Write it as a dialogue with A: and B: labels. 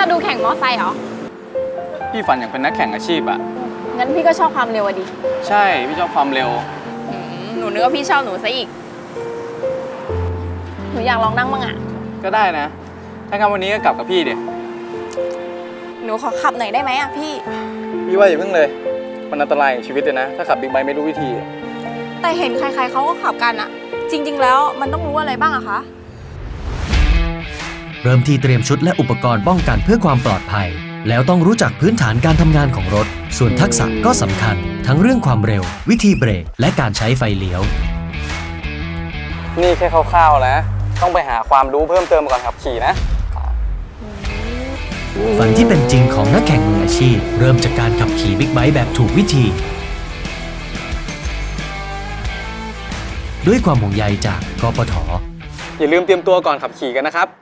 A: จะดูแข่งมอไซค์เหรอ
B: พี่ฝันอยากเป็นนักแข่งอาชีพอะ
A: งั้นพี่ก็ชอบความเร็วอะดิ
B: ใช่พี่ชอบความเร็ว
A: หนูนึกว่าพี่ชอบหนูซะอีก หนูอยากลองนั่งบ้างอะ
B: ก็ได้นะ ถ้างั้นวันนี้ก็กลับกับพี่เดี๋ย
A: หนูขอขับหน่อยได้ไหมอะพี่
B: พี่ว่าอย่าเพิ่งเลย มันอันตรายกับชีวิตเลยนะ ถ้าขับบิ๊กไบค์ไม่รู้วิธี
A: แต่เห็นใครๆเขาก็ขับกันอะจริงๆแล้วมันต้องรู้อะไรบ้างอะคะ
C: เริ่มที่เตรียมชุดและอุปกรณ์ป้องกันเพื่อความปลอดภัย แล้วต้องรู้จักพื้นฐานการทำงานของรถ ส่วนทักษะก็สำคัญ ทั้งเรื่องความเร็ว วิธีเบรก และการใช้ไฟเลี้ยว
B: นี่แค่คร่าวๆนะ ต้องไปหาความรู้เพิ่มเติมก่อนขับขี่นะ
C: ฝันที่เป็นจริงของนักแข่งมืออาชีพ เริ่มจากการขับขี่บิ๊กไบค์แบบถูกวิธี ด้วยความห่วงใยจากกปท.
B: อย่าลืมเตรียมตัวก่อนขับขี่กันนะครับ